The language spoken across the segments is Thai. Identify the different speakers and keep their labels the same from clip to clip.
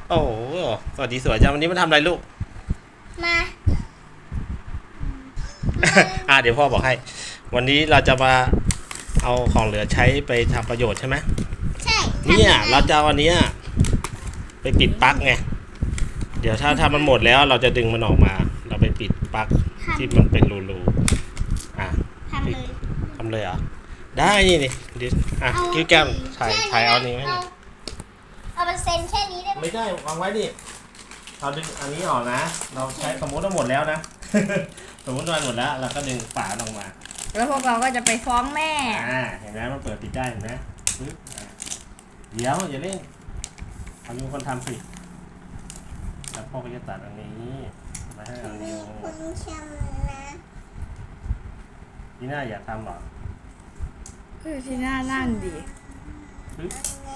Speaker 1: โอ้โหสวัสดีสวยจังวันนี้มาทำอะไรลูก
Speaker 2: มา
Speaker 1: เดี๋ยวพ่อบอกให้ วันนี้เราจะมาเอาของเหลือใช้ไปทำประโยชน์ใช่ไหม
Speaker 2: ใช่
Speaker 1: เนี่ยเราจะเอาวันนี้ไปปิดปลั๊กไงเดี๋ยวถ้ามันหมดแล้วเราจะดึงมันออกมา เราไปปิดปลั๊กที่มันเป็นรู
Speaker 2: ทำเลย
Speaker 1: ทำเลยเหรอได้นี่ดิกิ้วแก้มถ่ายเอานี้ไหม
Speaker 2: เอาเปอร์เซ็นต์แค่นี้ได้ไหม
Speaker 1: ไม่ได้วางไว้ดิเราดึงอันนี้ออกนะเราใช้สมมติว่าหมดแล้วนะ สมมติว่าหมดแล้วเราก็ดึงฝาออกมา
Speaker 3: แล้วพวกเราก็จะไปฟ้องแม่
Speaker 1: เห็นไหมมันเปิดปิดได้เห็นไหมปึ๊บเดี๋ยวอย่าเล่นเอามีคนทำสิแล้วพ่อก็จะตัดอันนี้มาให้อันนี้
Speaker 2: คุณชนะ
Speaker 1: นี่น่าอยากทำเหรอ
Speaker 3: ที่หน้านั่นดิ
Speaker 1: ปึ๊บ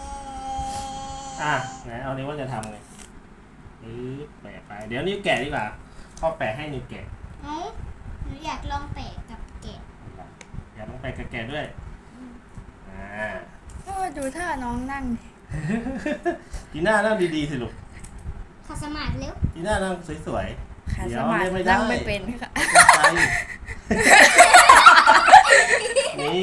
Speaker 1: ไหนเอานี้ว่าจะทำไงปึ๊บแปะไปเดี๋ยวนิ้วแกะดีกว่าพ่อแปะให้นิ้วแกะ
Speaker 2: เอ้าหนูอยากลองแปะกับแกะ
Speaker 1: อย่าต้องแปะกับแกะด้วย
Speaker 3: ดูท่าน้องนั่ง
Speaker 1: จีน่านั่งดีๆสิลูก
Speaker 2: ขอสมัครเร็ว
Speaker 1: จีน่านั่งสวย
Speaker 3: ขา
Speaker 1: ๆเดี๋
Speaker 3: ส
Speaker 1: ยว
Speaker 3: มาธิ
Speaker 1: ไม่ได้
Speaker 3: นั่งไม่เป็นค่ะ
Speaker 1: ไปนี่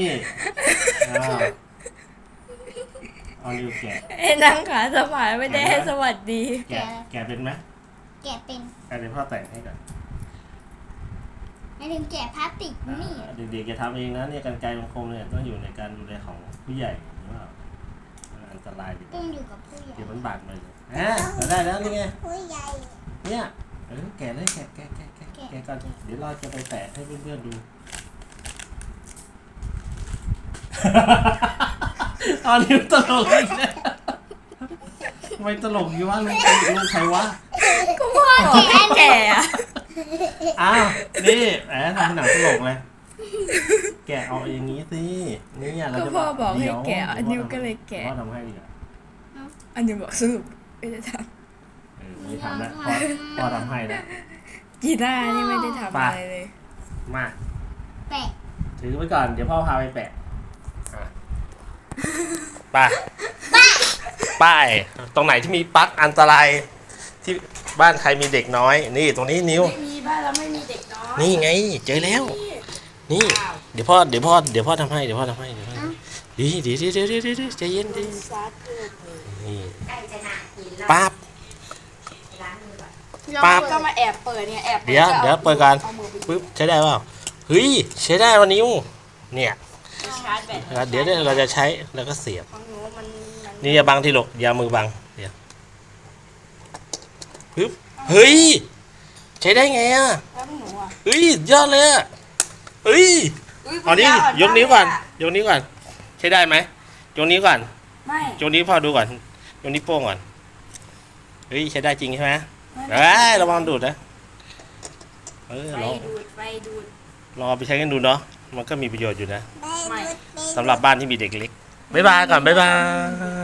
Speaker 1: เอานิ้วแกะ
Speaker 3: นั่งขาสมาธิไม่ได้ให้สวัสดี
Speaker 1: แกะเป็นไหม
Speaker 2: แกะเป็น
Speaker 1: เดี๋ยวพ่อแต่งให้ก่อน
Speaker 2: ไม่ถึงแกะพลาสติกนี่
Speaker 1: เด็กๆจะทำเองนะเนี่ยกรรไกรคมๆเนี่ยต้องอยู่ในการดูแลของผู้ใหญ่หรือว่าอันตรายดิ
Speaker 2: ต้องอยู่กับผู้ใหญ่
Speaker 1: เดี๋ยวมันบาดมือเราได้แล้วนี่ไง
Speaker 2: ผู้ใหญ่
Speaker 1: เนี่ยแกะเลยแกะก่อนเดี๋ยวเราจะไปแปะให้เพื่อนๆดู ตอนนี้ตลกเลยทำไมตลกอยู่วะลุงใครวะ
Speaker 3: ก็พ่อบอกให้แก่อะ
Speaker 1: นี่แหมทำหนังตลกเลยแกะเอาอย่างนี้สินี่เรา
Speaker 3: ก็
Speaker 1: จะ
Speaker 3: พ่อบอกให้แก่อันนี้ก็เลยแก่
Speaker 1: พ่อทำให้ดีกว่า
Speaker 3: อันนี้บอกสรุปไม่ได้ท
Speaker 1: ไม่ทำแล้วพ่อทำให้แล้ว
Speaker 3: ำกีน่านี่ไม่ได้ทำอะไรเลย
Speaker 1: มา
Speaker 2: แปะ
Speaker 1: ถือไว้ก่อนเดี๋ยวพ่อพาไปแปะป้ายตรงไหนที่มีปลั๊กอันตรายที่บ้านใครมีเด็กน้อยนี่ตรงนี้นิ้ว
Speaker 3: ไม่มีบ้านเราไม่มีเด็กน้อย
Speaker 1: นี่ไงเจอแล้วนี่เดี๋ยวพ่อทำให้ดีใจเย็นดินี่ปั๊บ
Speaker 3: ก็มาแอบเปิดเนี่ยแอบ
Speaker 1: เดี๋ยวเปิดกันปึ๊บใช้ได้เปล่าเฮ้ยใช้ได้วันนิ้วเนี่ย
Speaker 3: ชาร์จแบต
Speaker 1: เดี๋ยวเราจะใช้แล้วก็เสียบ
Speaker 3: ของหนูมัน
Speaker 1: นี่อย่าบังที่หลกอย่ามือบังเดี๋ยวปึ๊บเฮ้ยใช้ได้ไงอ่ะ
Speaker 3: แล้วหนูอ่ะ
Speaker 1: เฮ้ยยอดเลยอ่ะเฮ้ยเอานี้ยกนิ้วก่อนใช้ได้ไหมยกนิ้วก่อน
Speaker 3: ไม่
Speaker 1: ยกนิ้วพอดูก่อนยกนิ้วโป้งก่อนเฮ้ยใช้ได้จริงใช่ไหมระวังดูดนะ
Speaker 3: ไปดูด
Speaker 1: ลองเอาไปใช้กันดูเนาะมันก็มีประโยชน์อยู่นะ
Speaker 2: ไม่
Speaker 1: สำหรับบ้านที่มีเด็กเล็กบ๊ายบายก่อนบ๊ายบาย